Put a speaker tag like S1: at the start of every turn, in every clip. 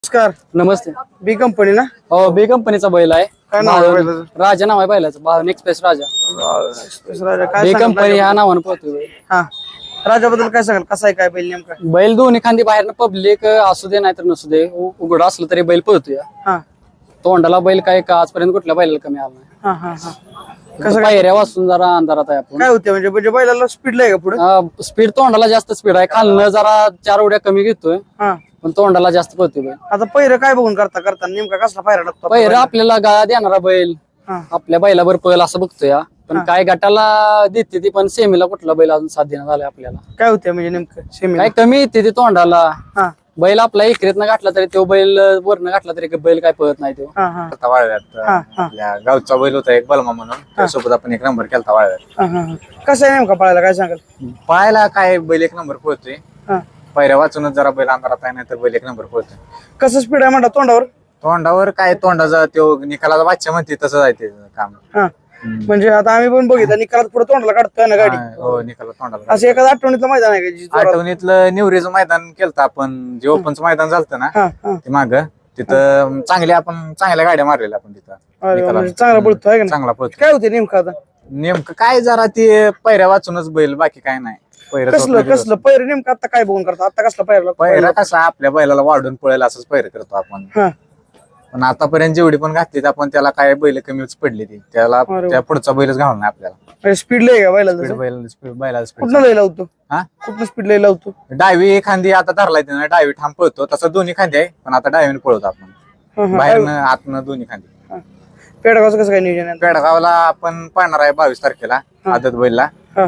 S1: नमस्कार.
S2: नमस्ते.
S1: बी कंपनी ना?
S2: हो, बी कंपनीचा बैल आहे.
S1: काय नाव आहे बैलाचं?
S2: राजा नाव आहे बैलाचं, भावन एक्सप्रेस राजा.
S1: एक्सप्रेस राजा. काय
S2: बी
S1: सांगाल
S2: कंपनी ह्या
S1: राजाबद्दल?
S2: नावानं पळतोय.
S1: हा, राजाबद्दल काय सांगाल? कसा आहे काय बैल नेमका?
S2: बैल दोन्ही खांदी बाहेरनं पब्लिक असू दे नाहीतर नसू दे, उघड असलं तरी बैल पळतोय.
S1: हा
S2: तोंडाला बैल काय का आजपर्यंत कुठल्या बैलाला कमी आला नाही.
S1: हा हा हा. कसं काय
S2: पायऱ्या वाचून जरा अंधारात आहे आपण.
S1: काय होते म्हणजे बैलाला स्पीड आहे का पुढे?
S2: स्पीड तोंडाला जास्त स्पीड आहे, खालनं जरा 4 उड्या कमी घेतोय
S1: हा.
S2: पण तोंडाला जास्त पळतोय बैल.
S1: आता पहिरं काय बघून करता नेमका कसला पायरा लागतो?
S2: पहिरं आपल्याला गाळा देणारा बैल
S1: हा.
S2: आपल्या बैलावर पळेल असं बघतोय हा. पण काय गटाला देते ती, पण सेमीला कुठला बैल अजून साथ देण्यात झालाय आपल्याला.
S1: काय होते म्हणजे नेमकं सेमी?
S2: काय कमी येते ती तोंडाला.
S1: हा
S2: बैल आपला इकरेतनं घातला तरी तो बैल वरनं घातला तरी बैल काय पळत नाही तो.
S1: हा हा
S3: आता वाळव्यात
S1: हा हा
S3: आपल्या गावचा बैल होता एक बलमा म्हणून, त्यासोबत आपण एक नंबर केलता वाळव्यात.
S1: हा हा हा. कसं आहे नेमका पळायला काय सांगाल?
S3: पाहायला काय बैल एक नंबर पळतोय,
S1: हा.
S3: पायऱ्या वाचूनच जरा बैल अंधारात आहे, नाही तर बैल एक नंबर पळतोय.
S1: कसं स्पीड आहे म्हणता तोंडावर?
S3: तोंडावर काय तोंडाचा तो निकालाचा बादशा म्हणते तसं आहे ते काम.
S1: हा म्हणजे आता आम्ही पण बघितलं निकालात पुढे तोंडाला काढतोय ना गाडी.
S3: हो, निकाला तोंडाला.
S1: असं एखादं आठवणीतलं मैदान आहे का जी जोरात?
S3: आठवणीतलं निवरीचं मैदान केलतं आपण, जे ओपनचं मैदान झालं ना
S1: हा हा.
S3: ते माग, तिथं चांगल्या गाड्या मारलेल्या आपण तिथं.
S1: अरे वा,
S3: निकालात.
S1: म्हणजे चांगला पळतो आहे का नाही?
S3: चांगला पळतो.
S1: काय होते नेमकं आता?
S3: नेमकं काय जरा ते पायऱ्या वाचूनच बैल, बाकी काय नाही.
S1: कसलं पैर नेमकं आता काय बघून करता? आता कसला पैर
S3: पैरा कसा आपल्या बैलाला वाढून पळेल असंच पैर करतो आपण.
S1: हा.
S3: पण आतापर्यंत जेवढी पण घातली आपण त्याला काय बैल कमीच पडली ती, त्याला
S1: अरे
S3: त्या पुढचा बैलच घालून नाही आपल्याला.
S1: स्पीड लय का बैलाला?
S3: बैलाला
S1: कुठं
S3: स्पीड.
S1: लय लावतो?
S3: हा,
S1: कुठं स्पीड लय लावतो?
S3: डावी खांदी आता धरलाय त्यानं, डावी ठाम पळतो, तसं दोन्ही खांदी आहे पण आता डावीने पळतो आपण,
S1: हा, हा.
S3: बाहेरनं आतनं दोन्ही खांदी.
S1: हा. पेडगावचं कसं काय नियोजन आहे?
S3: पेडगावला आपण पाहणार आहे 22 तारखेला आदत बैलला.
S1: हा.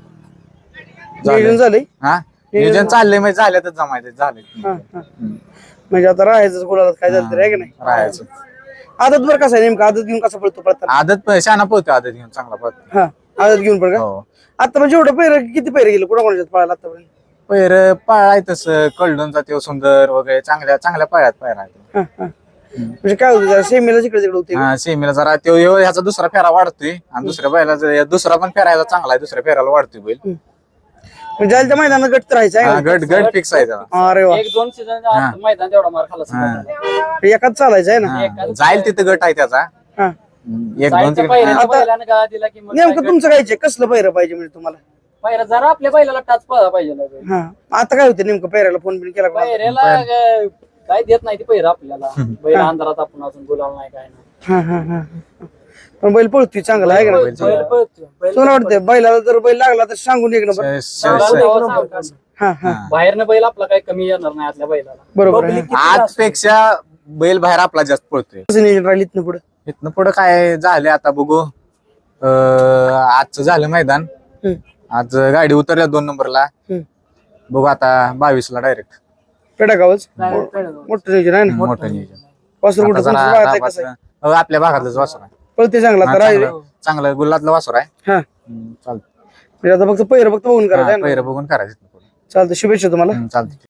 S1: नियोजन झालंय?
S3: हा, नियोजन चाललंय म्हणजे झाल्यातच जमायचं झालंय.
S1: हा, हा. म्हणजे आता राहायचं कोणाला काय झालं तरी आहे का नाही?
S3: राहायचं.
S1: आदत बरं कसं आहे नेमकं? आदत घेऊन कसं पळतो पळतात?
S3: आदत शाना पळतो, आदत घेऊन चांगला पळतो.
S1: हा, आदत घेऊन पळ का?
S3: हो,
S1: आता म्हणजे एवढं पैर किती पैर गेले कोणाकोणाच्यात पळायला आतापर्यंत?
S3: पैर पाळाय तसं कळडूनचा तो सुंदर वगैरे चांगल्या पाळ्यात पायरा आहे.
S1: हा, हा. म्हणजे काय होतं सेमीला जिकडे तिकडे होते?
S3: हा, सेमीला जरा तो ह्याचा दुसरा फेरा वाढतोय आणि दुसऱ्या बैलाचा दुसरा पण फेरा ह्याचा चांगला आहे, दुसऱ्या फेराला वाढतोय बैल.
S1: म्हणजे जायला त्या मैदानात गट तर राहायचं आहे
S3: हा,
S1: का?
S3: गट फिक्स आहे त्याला.
S1: अरे वा,
S2: 1-2 सीझन मैदान तेवढा मार खाल्ला.
S1: एकाच चालायचं आहे ना?
S3: हा, जाईल तिथं गट आहे त्याचा.
S1: हा.
S3: 1-2
S1: नेमकं तुमचं काय कसलं पैर पाहिजे म्हणजे तुम्हाला?
S2: पायऱ्या जरा आपल्या बैलाला टाच पळा पाहिजे ना.
S1: हा, आता काय होते नेमकं पैराला फोन बिन केला का?
S2: पायऱ्याला काय देत नाही ती पैर आपल्याला. बैल अंधारात आपण अजून बोलावं नाही काय नाही.
S1: हा, हा, हा, हा. पण बैल पळतोय चांगला आहे का नाही?
S2: बैल पळतोय.
S1: तुला वाटतंय बैलाला जर बैल लागला तर सांगून एक नंबर. हा हा,
S2: बाहेरनं बैल आपला काही कमी येणार नाही आतल्या बैलाला.
S1: बरोबर आहे.
S3: आजपेक्षा बैल बाहेर आपला जास्त पळतोय.
S1: कसं नियोजन राहिलं इथनं पुढे?
S3: इथनं पुढं काय झालं आता बघू. आजचं झालं मैदान, आज गाडी उतरल्या 2 नंबरला. बघू आता 22ला डायरेक्ट
S1: पेडागावच मोठं नियोजन आहे ना?
S3: मोठं नियोजन.
S1: वासरू
S3: आता
S1: कुठं
S3: जरा
S1: तुमचं पाहताय कसं आहे?
S3: हो, आपल्या भागातलंच वासर आहे.
S1: पळते चांगला तर राहिले.
S3: चांगलं गुल्लातलं वासर आहे.
S1: हा,
S3: चालतं.
S1: म्हणजे आता फक्त पैर फक्त बघून करायचं आहे ना?
S3: पहिरं बघून करायचं.
S1: चालतं, शुभेच्छा तुम्हाला.
S3: चालतं.